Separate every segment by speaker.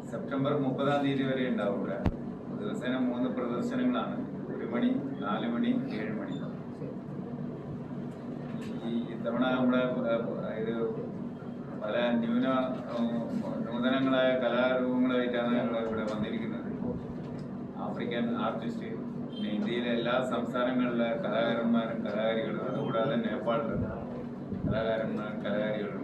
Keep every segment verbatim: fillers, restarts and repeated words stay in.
Speaker 1: September മുപ്പതാം തീയതി വരെ ഉണ്ടാവും ഇവിടെ. ദിവസേന മൂന്ന് പ്രദർശനങ്ങളാണ്. ഒരു മണി, നാല് മണി, ഏഴ് മണി. ഈ ഇത്തവണ നമ്മുടെ ഇത് പല ന്യൂന നൂതനങ്ങളായ കലാരൂപങ്ങളായിട്ടാണ് ഞങ്ങൾ ഇവിടെ വന്നിരിക്കുന്നത്. ആഫ്രിക്കൻ ആർട്ടിസ്റ്റ്, പിന്നെ ഇന്ത്യയിലെ എല്ലാ സംസ്ഥാനങ്ങളിലെ കലാകാരന്മാരും കലാകാരികളും, അതുകൂടാതെ നേപ്പാളിലെ കലാകാരന്മാരും കലാകാരികളുണ്ട്.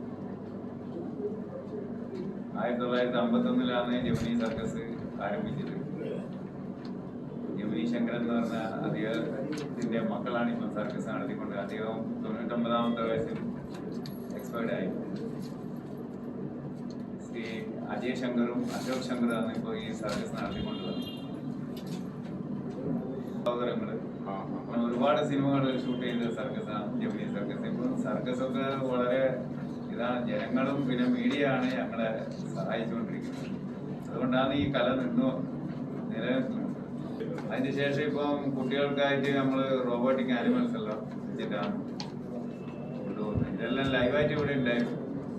Speaker 1: ആയിരത്തി തൊള്ളായിരത്തി അമ്പത്തി ഒന്നിലാണ് ജമിനി സർക്കസ് ആരംഭിച്ചത്. ജമിനി ശങ്കരൻ എന്ന് പറഞ്ഞ അദ്ദേഹത്തിന്റെ മക്കളാണ് ഇപ്പം സർക്കസ് നടത്തിക്കൊണ്ട്. അദ്ദേഹം തൊണ്ണൂറ്റൊമ്പതാമത്തെ വയസ്സിൽ എക്സ്പയർഡ് ആയി. ശ്രീ അജയ് ശങ്കറും അശോക് ശങ്കറാണ് ഇപ്പോൾ ഈ സർക്കസ് നടത്തിക്കൊണ്ടുള്ളത്. സഹോദരങ്ങള് ഒരുപാട് സിനിമകൾ ഷൂട്ട് ചെയ്ത സർക്കസാണ് ജമിനി സർക്കസ്. ഇപ്പം സർക്കസൊക്കെ വളരെ ഇതാണ്. ജനങ്ങളും പിന്നെ മീഡിയ ആണ് ഞങ്ങളെ സഹായിച്ചുകൊണ്ടിരിക്കുന്നത്. അതുകൊണ്ടാണ് ഈ കല നിന്നു നിലനിൽക്കുന്നത്. അതിന് ശേഷം ഇപ്പം കുട്ടികൾക്കായിട്ട് നമ്മൾ റോബോട്ടിക് ആനിമൽസ് എല്ലാം വെച്ചിട്ടാണ് കൊണ്ടുപോകുന്നത്. ഇതെല്ലാം ലൈവായിട്ട് ഇവിടെ ഉണ്ടായിരുന്നു.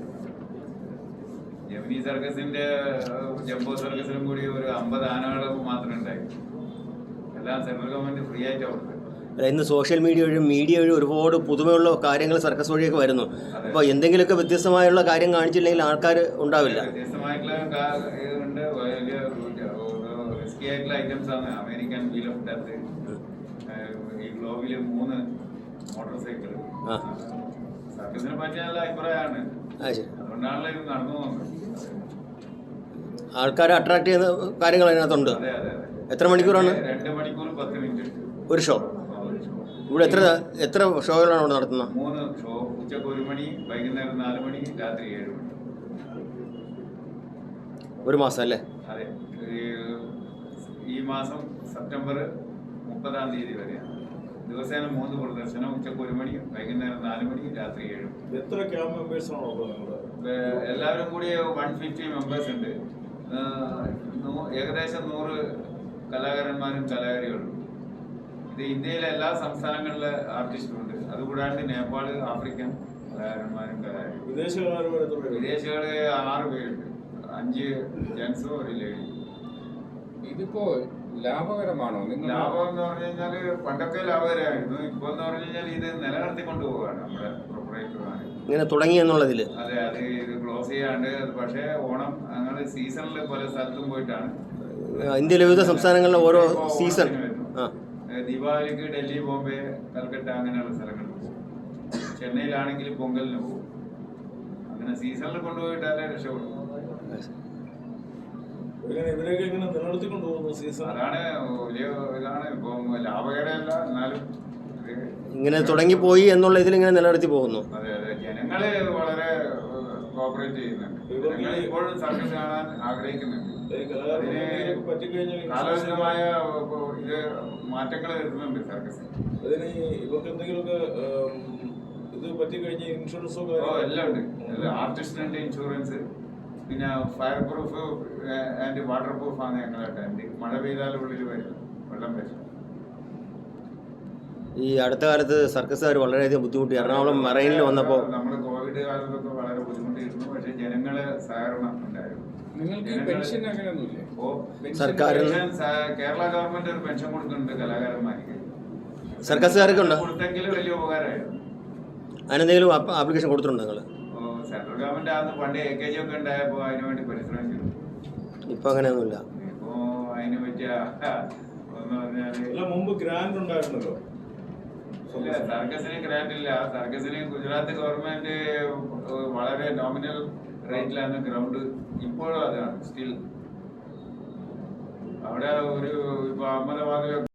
Speaker 1: ജമിനി സർക്കസിന്റെ ജംബോ സർക്കസിനും കൂടി ഒരു അമ്പത് ആനകൾ മാത്രമേ ഉണ്ടായി. എല്ലാം സെൻട്രൽ ഗവൺമെന്റ് ഫ്രീ ആയിട്ട് കൊടുത്തത്.
Speaker 2: ഇന്ന് സോഷ്യൽ മീഡിയ വഴി മീഡിയ വഴി ഒരുപാട് പുതുമയുള്ള കാര്യങ്ങൾ സർക്കസ് വഴിയൊക്കെ വരുന്നു. അപ്പോൾ എന്തെങ്കിലുമൊക്കെ വ്യത്യസ്തമായുള്ള കാര്യം കാണിച്ചില്ലെങ്കിൽ ആൾക്കാർ ഉണ്ടാവില്ല.
Speaker 1: വ്യത്യസ്തമായിട്ടുള്ള ഇതുണ്ട്. വലിയ റിസ്കി ആയിട്ടുള്ള ഐറ്റംസ് ആണ്. അമേരിക്കൻ വീൽ ഓഫ് ഡെത്ത്, ഈ ഗ്ലോബില് മൂന്ന് മോട്ടോർ സൈക്കിൾ. സർക്കസിനെ പറ്റിയ നല്ല അഭിപ്രായമാണ്. അതുകൊണ്ടാണല്ലോ ഇത് നടന്നു പോകുന്നത്.
Speaker 2: ആൾക്കാരെ അട്രാക്ട് ചെയ്യുന്ന കാര്യങ്ങൾ അതിനകത്തുണ്ട്.
Speaker 1: അതെ അതെ അതെ.
Speaker 2: എത്ര മണിക്കൂറാണ്?
Speaker 1: രണ്ട് മണിക്കൂർ പത്ത് മിനിറ്റ്
Speaker 2: ഒരു ഷോ. ഇവിടെ എത്ര എത്ര ഷോകളാണ് ഇവിടെ നടത്തുന്നത്?
Speaker 1: മൂന്ന് ഷോ. ഉച്ചക്ക് ഒരു മണി, വൈകുന്നേരം നാല് മണി, രാത്രി ഏഴ് മണി.
Speaker 2: ഒരു മാസം അല്ലേ?
Speaker 1: അതെ. ഈ മാസം സെപ്റ്റംബർ മുപ്പതാം തീയതി വരെയാണ്. ദിവസേന മൂന്ന് പ്രദർശനം. ഉച്ചക്ക് ഒരു മണി, വൈകുന്നേരം നാല് മണി, രാത്രി ഏഴ് മണി.
Speaker 3: എത്ര ക്യാമ്പ് മെമ്പേഴ്സ് ആണോ?
Speaker 1: എല്ലാവരും കൂടി വൺ ഫിഫ്റ്റി മെമ്പേഴ്സ് ഉണ്ട്. ഏകദേശം നൂറ് കലാകാരന്മാരും കലാകാരികളും. ഇത് ഇന്ത്യയിലെ എല്ലാ സംസ്ഥാനങ്ങളിലെ ആർട്ടിസ്റ്റും ഉണ്ട്. അതുകൂടാണ്ട് നേപ്പാള്, ആഫ്രിക്കൻ കലാകാരന്മാരും കലാകാരികളും. വിദേശികള് ആറ് പേരുണ്ട്. അഞ്ച് ജെൻസും ഒരു ലേഡി.
Speaker 4: ഇതിപ്പോ ലാഭകരമാണോ?
Speaker 1: ലാഭം എന്ന് പറഞ്ഞു കഴിഞ്ഞാല് പണ്ടൊക്കെ ലാഭകരമായിരുന്നു. ഇപ്പൊ എന്ന് പറഞ്ഞു കഴിഞ്ഞാൽ ഇത് നിലനിർത്തിക്കൊണ്ട് പോവുകയാണ് നമ്മുടെ പ്രൊപ്പറേറ്റർമാര്.
Speaker 2: ഇങ്ങനെ തുടങ്ങി എന്നുള്ളതിൽ
Speaker 1: അതെ. അത് ഇത് ക്ലോസ് ചെയ്യാണ്ട്. പക്ഷേ ഓണം അങ്ങനെ സീസണിൽ പല സ്ഥലത്തും പോയിട്ടാണ്.
Speaker 2: ഇന്ത്യയിലെ വിവിധ സംസ്ഥാനങ്ങളിലെ ഓരോ സീസൺ.
Speaker 1: ദീപാവലിക്ക് ഡൽഹി, ബോംബെ, കൽക്കട്ട അങ്ങനെയുള്ള സ്ഥലങ്ങളിൽ പോകും. ചെന്നൈയിലാണെങ്കിൽ പൊങ്കലിന് പോകും. അങ്ങനെ സീസണിൽ കൊണ്ടുപോയിട്ടാലേ രക്ഷപ്പെടും. അതാണ് വലിയ ഇതാണ്. ഇപ്പം ലാഭകരമല്ല, എന്നാലും
Speaker 2: ഇങ്ങനെ തുടങ്ങിപ്പോയി എന്നുള്ള ഇതിൽ ഇങ്ങനെ നിലനിർത്തി പോകുന്നു.
Speaker 1: അതെ അതെ. ജനങ്ങള് വളരെ കോപ്പറേറ്റ് ചെയ്യുന്നുണ്ട്. ജനങ്ങൾ ഇപ്പോഴും സർക്കസ് കാണാൻ ആഗ്രഹിക്കുന്നുണ്ട്. കാലോചിതമായ ഇത് മാറ്റങ്ങൾ വരുന്നുണ്ട് സർക്കസ്.
Speaker 3: അതിന് ഇവർക്ക് എന്തെങ്കിലുമൊക്കെ ഇത് പറ്റിക്കഴിഞ്ഞ ഇൻഷുറൻസോ
Speaker 1: എല്ലാം ഉണ്ട്. ആർട്ടിസ്റ്റിന്റെ ഇൻഷുറൻസ്, പിന്നെ fire proof and water proof ആണ് ഞങ്ങളുടെ ടെന്റ്. മഴ പെയ്താലും ഉള്ളിൽ വരും, വെള്ളം വരും.
Speaker 2: ഈ അടുത്ത കാലത്ത് സർക്കസുകാർ വളരെയധികം ബുദ്ധിമുട്ടി. എറണാകുളം മറൈനിൽ വന്നപ്പോൾ
Speaker 1: നമ്മൾ കോവിഡ് കാലത്തൊക്കെ വളരെ ബുദ്ധിമുട്ടിയിരുന്നു. പക്ഷെ ജനങ്ങളെ സഹകരണം ഉണ്ടായിരുന്നു.
Speaker 2: സർക്കാർ
Speaker 1: കേരള ഗവൺമെന്റ് ഒരു പെൻഷൻ കൊടുക്കുന്നുണ്ട് കലാകാരന്മാർക്ക്.
Speaker 2: സർക്കസുകാർക്ക് ഉണ്ട്.
Speaker 1: കൊടുത്തെങ്കിലും വലിയ ഉപകാരമായിരുന്നു.
Speaker 2: അതിനെന്തെങ്കിലും ആപ്ലിക്കേഷൻ കൊടുത്തിട്ടുണ്ടോ നിങ്ങൾ?
Speaker 1: സെൻട്രൽ ഗവൺമെന്റ് ആദ്യം പണ്ട് എ കെ ജി ഒക്കെ ഉണ്ടായപ്പോൾ അതിനു വേണ്ടി പരിശ്രമിച്ചു.
Speaker 2: ഇപ്പൊ അങ്ങനെയൊന്നുമില്ല.
Speaker 1: ഇപ്പോ അതിന് പറ്റിയ ഒന്ന് പറഞ്ഞാല്
Speaker 3: മുമ്പ് ഗ്രാൻഡ് ഉണ്ടായിരുന്നല്ലോ.
Speaker 1: ഇല്ല, സർക്കസിന് ഗ്രാൻഡ് ഇല്ല. സർക്കസിന് ഗുജറാത്ത് ഗവൺമെന്റ് വളരെ നോമിനൽ റേറ്റിലാണ് ഗ്രൗണ്ട്. ഇപ്പോഴും അതാണ് സ്റ്റിൽ. അവിടെ ഒരു ഇപ്പൊ അഹമ്മദാബാദിലൊക്കെ